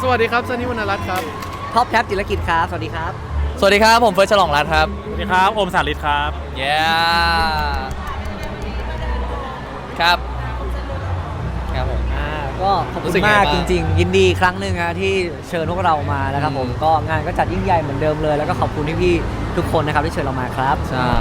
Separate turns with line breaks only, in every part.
วัสดีครับซันนี่วรรณรัตน์ครับ
ท็อปแท็บจิรกิจครับสวัสดีครับ
สวัสดีครับผมเฟิร์สฉลองรัตน์ครับ
สวัสดีครับโอมสาริตครับ
เย้ครับครับผม
ก็ขอบคุณมากจริงๆยินดีครั้งหนึ่งนะที่เชิญพวกเรามาแล้วครับผมก็งานก็จัดยิ่งใหญ่เหมือนเดิมเลยแล้วก็ขอบคุณพี่ๆทุกคนนะครับที่เชิญเรามาครับ
ใช่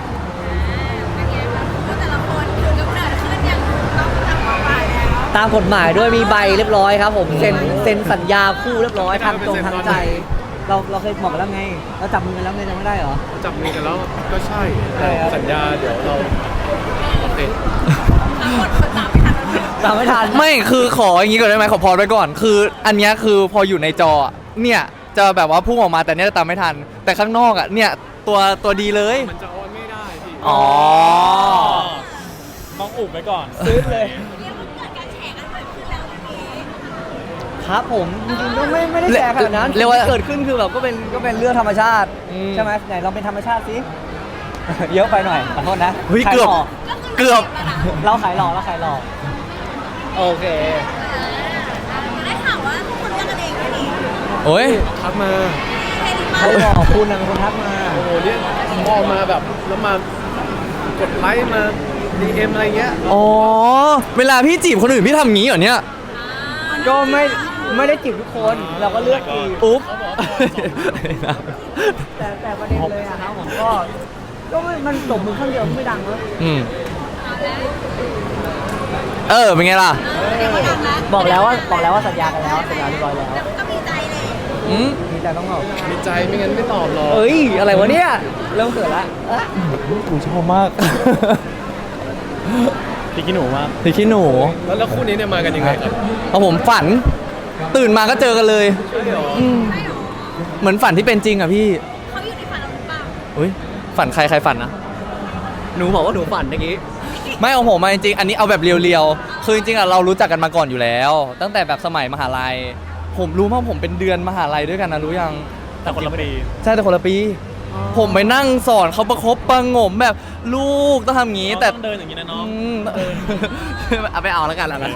ตามกฎหมายด้วยมีใบเรียบร้อยครับผมเซ็นสัญญาคู่เรียบร้อยทางตรงทางใจเราเคยบอกกันแล้วไงเราจับมือกันแล้วไงจำไม่ได้เหรอ
จับมือกันแล้วก็ใช่สัญญาเดี๋ยวเราโอเค
ตามไม่ทัน
ไม่คือขออย่างนี้ก่อนได้ไหมขอพอไว้ก่อนคืออันนี้คือพออยู่ในจอเนี่ยจะแบบว่าพุ่งออกมาแต่เนี่ยตามไม่ทันแต่ข้างนอกอ่ะเนี่ยตัวดีเลย
มันจะออนไม่ได้พี่
อ๋อ
ต้องอุบไว้ก่อน
ซื้อเลยครับผมจริงๆก็ไม่ได้แชร์ขนาดนั้นเรียกว่าเกิดขึ้นคือแบบก็เป็นเรื่องธรรมชาติใช่ไหมไหนเราเป็นธรรมชาติสิเยอะไปหน่อยขอโทษนะ
เกือบ
เราขายหล่อโอเค
ได้ข่าวว่าทุกคนเลือกกันเองด้วยนี่
โอ้ย
ทักมา
เขาบอกคุณนะเป็นคนทักมา
โอ้โหเนี่ยมองมาแบบแล้วมากดไลค์มา DM อะไรเงี้ย
อ๋อเวลาพี่จีบคนอื่นพี่ทำงี้เหรอเนี่ย
ก็ไม่ได้จีบทุกคนเราก็เลือกจีบ
อุ๊บ
แต่ประเด็นเลยอะครับผมก็มันตบมือข้างเดียวไม่ดังเลย
เป็นไงล่ะ
บอกแล้วว่าสัญญากันแล้วสัญญาเรียบร้อยแล้ว
ก็มีใจเลย
มีใจต้องบอก
มีใจไม่งั้นไม่ตอบหรอก
เอ้ยอะไรวะเนี่ยเริ่มเขินละ
กูชอบมาก
พี่ขี้หนูมาก
พี่ขี้หนู
แล้วคู่นี้เนี่ยมากันยังไงครับ
เอาผมฝันตื่นมาก็เจอกันเลย
ใช่หรอ
เหมือนฝันที่เป็นจริงอ่ะพี่
เขาอยู่ในฝันเราหรือเปล่า
อุ้ยฝันใครฝันนะ
หนูบอกว่าหนูฝันเมื่อกี้
ไม่เอาผมมาจริงๆอันนี้เอาแบบเรียวๆคือจริงๆอ่ะเรารู้จักกันมาก่อนอยู่แล้วตั้งแต่แบบสมัยมหาลัยผมรู้ว่าผมเป็นเดือนมหาลัยด้วยกันนะรู้ยัง
แต่คนละปี
ใช่แต่คนละปีผมไปนั่งสอนเขาประคบประงมแบบลูกต้องทำงี้แต่
ต้องเดินอย่างนี้นะน้อง
เอาไปเอาแล้วกันนะ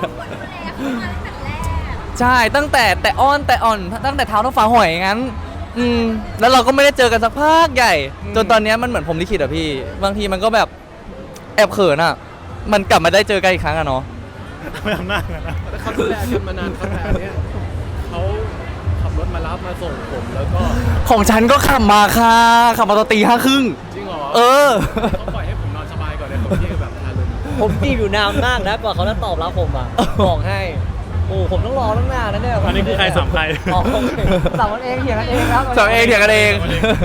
ใช่ตั้งแต่อ่อนตั้งแต่เท้าเท้าฟ้าหอยงั้นแล้วเราก็ไม่ได้เจอกันสักพักใหญ่จนตอนนี้มันเหมือนผมลิขิตอะพี่บางทีมันก็แบบแอบเขินอะมันกลับมาได้เจอกันอีกครั้งอะเนาะ
ไม่ทำหน้ากันนะ
แต่เขาดูแลกันมานานครับแต่เนี้ยเขาขับรถมารับมาส่งผมแล้วก็
ของฉันก็ขับมาค่ะขับมาตอนตี 5:30
จริงเหรอเขาปล่อยให้ผมนอนสบายก่อนเลยผมที่แบบทารุณ
ผมจีบอยู่นานมากนะกว่าเขาจะตอบรับผมอ่ะบอกให้โอ้ผมต้องรอตั้งนานนะเนี่ย
อันนี้คือใครสามใคร
สามกันเองเถียงกันเองครับ
สามเองเถียงกันเอง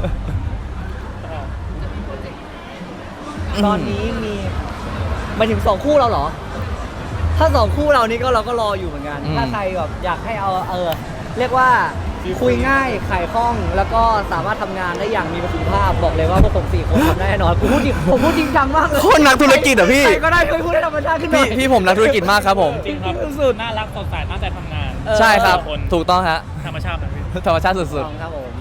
ตอนนี้มีมาถึง2คู่เราเหรอถ้า2คู่เรานี่ก็เราก็รออยู่เหมือนกันถ้าใครแบบอยากให้เอาเรียกว่าคุยง่ายขายคล่องแล้วก็สามารถทำงานได้อย่างมีประสิทธิภาพบอกเลยว่าพวกผม4คนทำได้แน่นอนผมพูดจริงจังมากเลย
คนนักธุรกิจเหรอพี่
ใครก็ได้เคยพูดให้ธรรมชาติขึ้นหน่อย
พี่ผมนักธุรกิจมากครับผม
จริงครับสุดน่ารักสดใสตั้งใจทำงาน
ใช่ครับถูกต้องฮะ
ธรรมชาติ
ธรรมชาติสุด
ๆครับผม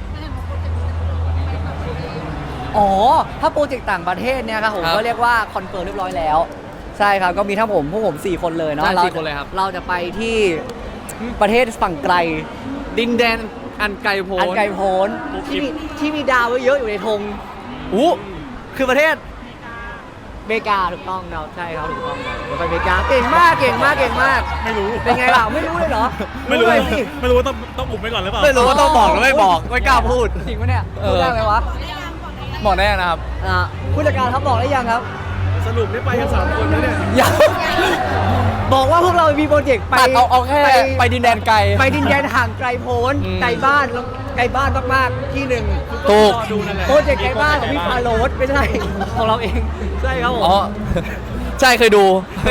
อ๋อถ้าโปรเจกต์ต่างประเทศเนี่ยครับผมก็เรียกว่าคอนเฟิร์มเรียบร้อยแล้วใช่ครับก็มีทั้งพวกผม4คนเลยเนาะเราจะไปที่ประเทศฝั่งไกล
ดินแดนอันไกลโพ้
นที่มีดาวเยอะอยู่ในธงคือประเทศอเมริกาถูกต้องเราใช่ครับถูกต้องเดี๋ยวไปอเมริกาเก่งมาก
ไม่รู้
เป็นไงล่ะไม่รู้เลยเหรอ
ไม่รู้ว่าต้องอุบไว้ก่อนหรือเปล่า
ไม่รู้ว่าต้องบอกหรือไม่บอกไม่กล้าพูด
จริงปะเนี่ยพูดได้ไหมวะ
บอกได้นะครับ
ผู้จัดการครับบอกได้ยังครับ
สรุปได้ไปกัน3 คนแล้วเนี่ย
บอกว่าพวกเรามีโปรเจกต์ไป
เอาแค่ไปดินแดนไกล
ไปดินแดนห่างไกลโพ้นไกลบ้านมากๆที่หนึ่ง
ถูก
โปรเจกต์ไกลบ้านของพี่พาโรสไม่ใช่ของเราเองใช่ครับผม
ใช่เคยดู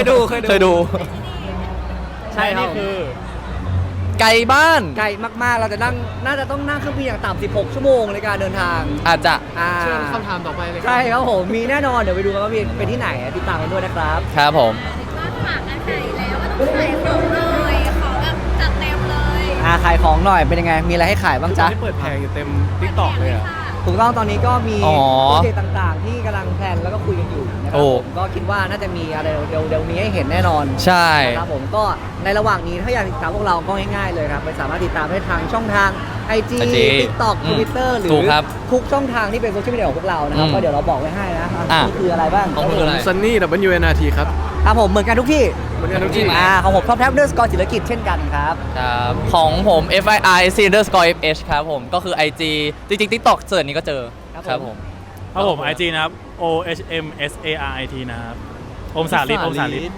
ใช่
นี่คือ
ไกลบ้าน
ไกลมากๆเราจะน่าจะต้องนั่งเครื่องบินอย่างต่ำ16 ชั่วโมงในการเดินทาง
อาจจะ
เชิญคำถามต่อไปเลย
ใช่ครับผมมีแน่นอนเดี๋ยวไปดูกันว่าเป็นที่ไหนติดตามกันด้วยนะครับ
ครับผม
ฝากกันขายแล้วว่าต้องขายของเลยของแบบจัดเต็มเลย
ขายของหน่อยเป็นยังไงมีอะไรให้ขายบ้างจ๊ะ
ที่เปิดแผงอยู่เต็ม TikTok เลยอ่ะ
ถูกต้องตอนนี้ก็มี
อ๋อ
โปรเจกต์ต่างๆ ที่กำลังแพลนแล้วก็คุยกันอยู่นะครั
โอ้
ผมก็คิดว่าน่าจะมีอะไรเร็วๆนี้ให้เห็นแน่นอน
ใช่
นะครับผมก็ในระหว่างนี้ถ้าอยากติดตามพวกเราก็ง่ายๆเลยครับไปสามารถติดตามได้ทางช่องทาง IG TikTok Twitter หรือ
ถูกครับ
ทุกช่องทางที่เป็นโซเชียลมีเดียของพวกเรานะครับ
อืม
ก็เดี๋ยวเราบอกไว้ให้นะ
อ่ะ
นี่คืออะไรบ้าง
ของคุณคืออะไร
ซันนี่ WNRT ครับ
ครับผมเหมือนกันทุกที่
เหมือนกันทุกที่
ของผมท็อปแท็บเดอร์สกอร์จิรกิจเช่นกันครับ
ครับของผม FII_FH ครับผมก็คือ IG จริงๆ TikTok เสิร์ชนี้ก็เจอ
ครับผม
ครับผม IG นะครับ OHMSARIT นะครับโอมสาลิดโอมสาลิด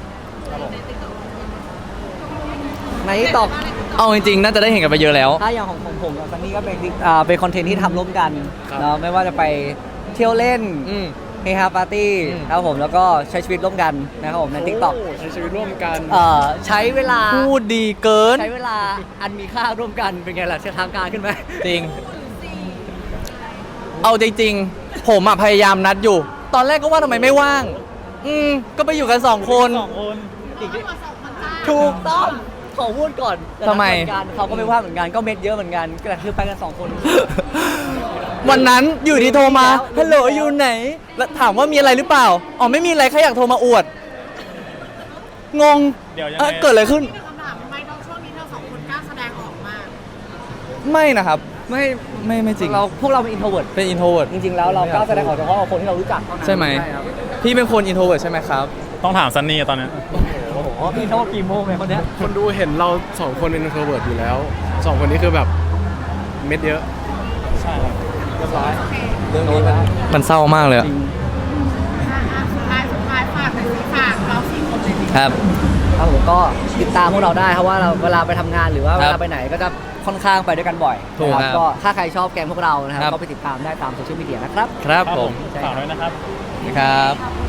ในตอก
เอาจริงๆ น่าจะได้เห็นกันไปเยอะแล้ว
ถ้าอย่างของผมกับซันนี่ก็เป็นคอนเทนต์ที่ทำร่วมกัน
ครับ
เนาะไม่ว่าจะไปเที่ยวเล่น
อืม
เฮฮาปาร์ตี้
อืม
ครับผมแล้วก็ใช้ชีวิตร่วมกันนะครับผมใน TikTok
โอ้ใช้ชีวิตร่วมกัน
ใช้เวลา
พูดดีเกิน
ใช้เวลาอันมีค่าร่วมกันเป็นไงล่ะทางการขึ้นไหม
จริง เอาจริงๆ ผมอะพยายามนัดอยู่ ตอนแรกก็ว่าทำไมไม่ว่าง ก็ไปอยู่กัน2 คน
ถูกต้องขอพูดก่อน
ทำไม
เหอนกันเขาก็ไม่ว่าเหมือนกันก็เม็ดเยอะเหมือนกันแต่คือไปกัน2 คน
วันนั้นอยู่ดีโทรมา
แล้ว
ฮัลโหลอยู่ไหน แล้วถามว่ามีอะไรหรือเปล่า อ๋อไม่มีอะไรแค่อยากโทรมาอวด งง
เดี๋ยวยังไง
เกิดอะไรขึ้น
คำถามทำไมต้องช่วงนี้เธอสองคนกล้าแสดงออกมาก
ไม่นะครับ
ไม่
ไม่จริง
พวกเราเป็น introvert
เป็น introvert
จริงๆแล้วเรากล้าแสดงออกเฉพาะกับคนที่เรารู้จักเท่านั้น
ใช่ไหม
ครับ
พี่เป็นคน introvert ใช่ไหมครับ
ต้องถามซันนี่ตอนนี้
โอ้โหพี่โทษกี่โมงเนี่ยคนเนี้ย
คนดูเห็นเรา2 คนเป็น introvert อยู่แล้ว 2 คนนี้คือแบบเม็ดเยอะ
ใช่ครับ
เรียบร้อย
เรื่องนี้มันเศร้ามากเลยอะ
จริง
สุดท้ายฝากหน่อยสิฝากเราสี่คนเลยสิ
ครับ
ครับผมก็ติดตามพวกเราได้เพราะว่าเราเวลาไปทำงานหรือว่า
ครับ
เวลาไปไหนก็จะค่อนข้างไปด้วยกันบ่อย
ถูก
นะครับ ก็ถ้าใครชอบแกงพวกเรานะครับ
ครับ
ก็ไปติดตามได้ตามโซเชียลมีเดียนะครับ
ครับผม
ฝากด้วยนะครับ
ครับ
ขอบคุณ